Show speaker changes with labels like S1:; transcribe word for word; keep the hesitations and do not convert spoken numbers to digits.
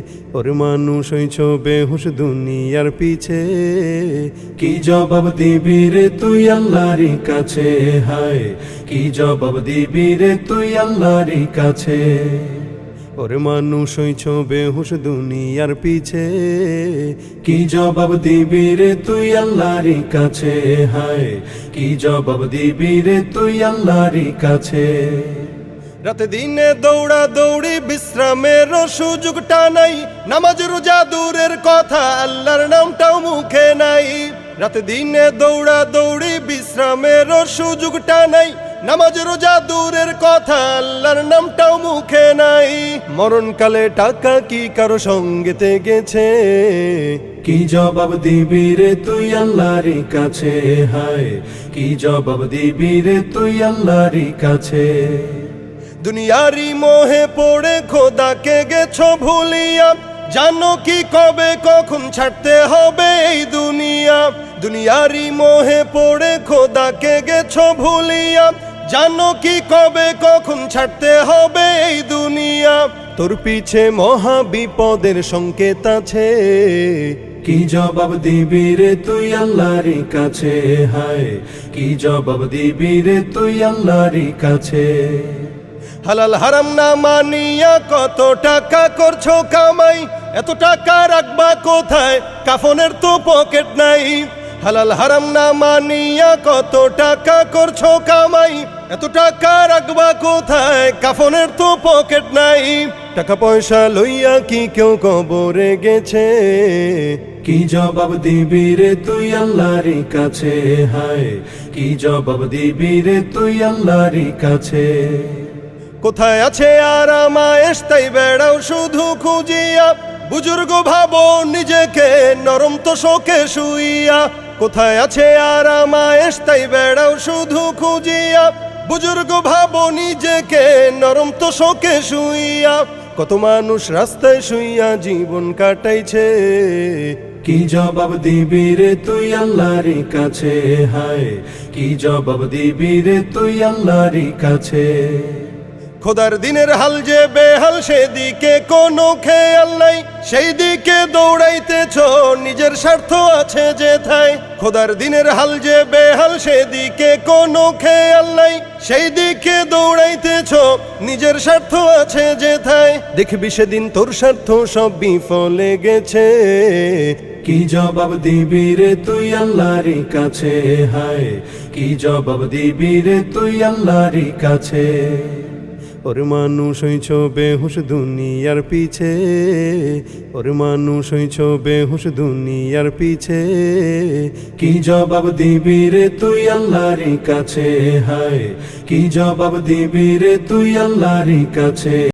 S1: ওর মানুষ হইছ বেহুশ দুনিয়ার পিছে, কি জবাব দিবি রে তুই আল্লাহর কাছে, হায় কি জবাব দিবি রে তুই আল্লাহর কাছে। ওর মানুষ হইছ বেহুশ দুনিয়ার পিছে, কি জবাব দিবি রে তুই আল্লাহর কাছে, হায় কি জবাব দিবি রে তুই আল্লাহর কাছে। রাতে দিনে দৌড়া দৌড়ি বিশ্রামের সুযোগটা নাই, নামাজ রোজা দূরের কথা আল্লাহর নামটাও মুখে নাই। রাতে দিনে দৌড়া দৌড়ি বিশ্রামের সুযোগটা নাই, নামাজ রোজা দূরের কথা আল্লাহর নামটাও মুখে নাই। মরণকালে টাকা কি কারো সঙ্গেতে গেছে, কি জবাব দিবি রে তুই আল্লাহর কাছে, হায় কি জবাব দিবি রে তুই আল্লাহর কাছে। দুনিয়ারি মোহে পড়ে খোদাকে গেছো ভুলিয়া, জানো কি কবে কখন ছাড়তে হবে এই দুনিয়া। দুনিয়ারি মোহে পড়ে খোদাকে গেছো ভুলিয়া, জানো কি কবে কখন ছাড়তে হবে এই দুনিয়া। তোর পিছে মহা বিপদের সংকেত আছে, কি জবাব দিবি রে তুই আল্লাহর কাছে, হায় কি জবাব দিবি রে তুই আল্লাহর কাছে। হালাল হারাম না মানিয়া কত টাকা করছো কামাই, এত টাকা রাখবা কোথায় কাফনের তো পকেট নাই। হালাল হারাম না মানিয়া কত টাকা করছো কামাই, এত টাকা রাখবা কোথায় কাফনের তো পকেট নাই। টাকা পয়সা লইয়া কি কেউ কবরে গেছে, কি জবাব দিবি রে তুই আল্লাহর কাছে, হায় কি জবাব দিবি রে তুই আল্লাহর কাছে। কোথায় আছে আরামায়েশ তাই বেড়াও শুধু খুঁজিয়া, বুজুর্গ ভাবো নিজেকে নরম তো শোকে শুইয়া। কোথায় আছে আরামায়েশ তাই বেড়াও শুধু খুঁজিয়া, বুজুর্গ ভাবো নিজেকে নরম তো শোকে শুইয়া। কত মানুষ রাস্তায় শুইয়া জীবন কাটাইছে, কি জবাব দিবি রে তুই আল্লাহর কাছে, হায় কি জবাব দিবি রে তুই আল্লাহর কাছে। খোদার দিনের হাল যে বেহাল সেদিকে কোনো খেয়াল নাই, সেই দিকে দৌড়াইতেছ নিজের স্বার্থ আছে যেথায়। খোদার দিনের হাল যে বেহাল সেদিকে কোনো খেয়াল নাই, সেই দিকে দৌড়াইতেছ নিজের স্বার্থ আছে যেথায়। দেখবি সেদিন তোর স্বার্থ সব বিফলে গেছে, কি জবাব দিবি রে তুই আল্লাহর কাছে, হায় কি জবাব দিবি রে তুই আল্লাহর কাছে। ওর মানুষ হইছ বেহুশ দুনিয়ার পিছে, ওর মানুষ হইছ বেহুশ দুনিয়ার পিছে, কি জবাব দিবি রে তুই আল্লাহর কাছে, হায় কি জবাব দিবি রে তুই আল্লাহর কাছে।